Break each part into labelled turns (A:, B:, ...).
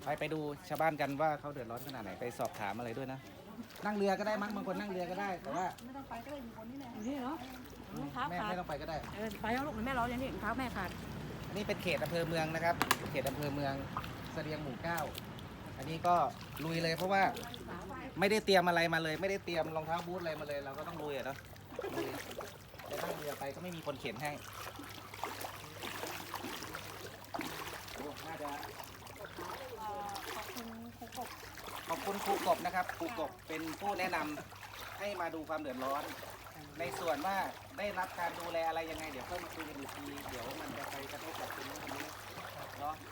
A: ไปดูชาวบ้านกันว่าเขาเดือดร้อนขนาดไหนไปสอบถามอะไรด้วยนะนั่งเรือก็ได้มั้งบางคนนั่งเรือก็ได้แต่ว่า
B: ไม่ต้องไปก็ได้อยู่คนนี้แหละ
C: อยู่นี่เนาะรองเท้า
A: แม่
C: ขาด
A: ไม่ต้องไปก็ได้
C: ไปแล้วลูกแม่ร้อนอย่างนี้รองเท้าแม่ขาด
A: นี่เป็นเขตอำเภอเมืองนะครับเขตอำเภอเมืองเสดียงหมู่เก้าอันนี้ก็ลุยเลยเพราะว่าไม่ได้เตรียมอะไรมาเลย ไม่ได้เตรียมรองเท้าบูทอะไรมาเลย เราก็ต้องลุยอะเนาะลุยจะนั่งเรือไปก็ไม่มีคนเข็นให้โอ้น่าจะ
B: ขอบคุณครูกบ
A: ขอบคุณครูกบนะครับครูกบเป็นผู้แนะนำให้มาดูความเดือดร้อน ในส่วนว่าได้รับการดูแลอะไรยังไงเดี๋ยวค่อยมาคุยกันอีกทีเดี๋ยวมันจะไปกระทบกับคนนู้นคนนี้เนาะ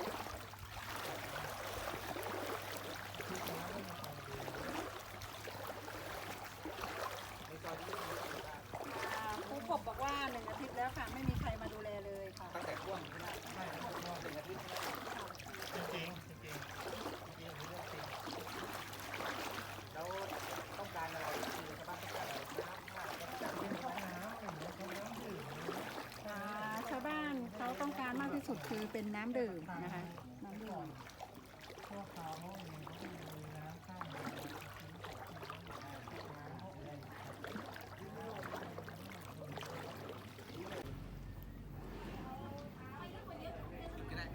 B: ครูกบบอกว่า1 อาทิตย์แล้วค่ะไม่มีใครมาดูแลเลยค่ะ
A: ตั้งแต่ช่วงใช่ไหมใช่ครับช่วง1 อาทิตย์ใช่ไหม
D: จริงจริงจริงจริงอันนี้เรื่องจริง
A: แล้วต้องการอะไรคือชาวบ้านต้องการอะไรน้ำท่า
B: ชาวบ้านเขาต้องการมากที่สุดคือเป็นน้ำดื่มนะคะน้ำดื่ม
D: พวกเขาเองเขามีน้ำข้าม
A: ก็ได้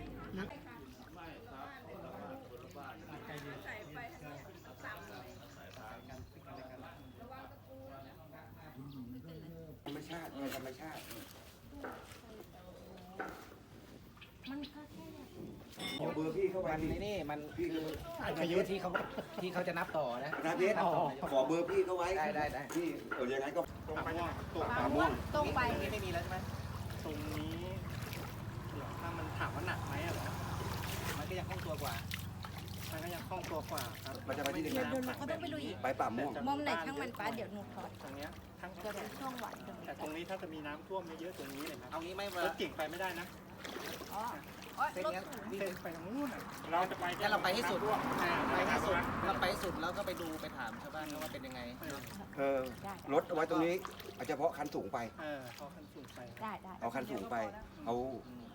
A: ธรรมชาติธรรมชาติ
E: ขอเบอร์พี่เข้าไป
A: มัน
E: ดิ
A: ในนี่มันคืออายุที่เขาจะนับต่อนะ
E: นะเพชรขอเบอร์พี่เข้าไว้
A: ได้
E: พี่อย่างนั้นก็
D: ตรงไปเนี่ยตรง
E: ป่าม่วง
B: ตรงไป
A: นี่ไม่มีแล้วใช่ไหม
D: ตรงนี้เหรอถ้ามันถามว่าหนักไหมอะเหรอ
A: มันก็ยังคล่องตัวกว่า
D: มันก็ยังคล่องตัวกว่าครับ
E: มันจะไปที่ไหน
B: เดี๋ยวหนูก็ต้องไปดูอีก
E: ไปป่าม่วง
B: มอมไหนช่างมันป้าเดี๋ยวหนูถอด
D: ตรงเนี้ยทั้ง
B: เดี๋ยวช่องหวานตรงนี้
D: แต่ตรงนี้ถ้าจะมีน้ำท่วมเยอะๆตรงนี้เลยครับ
A: เอางี้ไหม่
D: รถเก่งไปไม่ได้นะ
B: อ๋อ
A: เส้น
B: รถ
A: เนี้ย
D: เส้นไปทางนู้นอะเราจะไป
A: งั้นเราไปให้สุด
D: อ่า
A: ไปให้สุดเราไปให้สุดแล้วก็ไปดูไปถามชาวบ้านว่าเป็นยังไง
E: รถเอาไว้ตรงนี้เอาเฉพาะคันสูงไป
D: พอคันสูงไป
B: ได้
E: เอาคันสูงไป เอา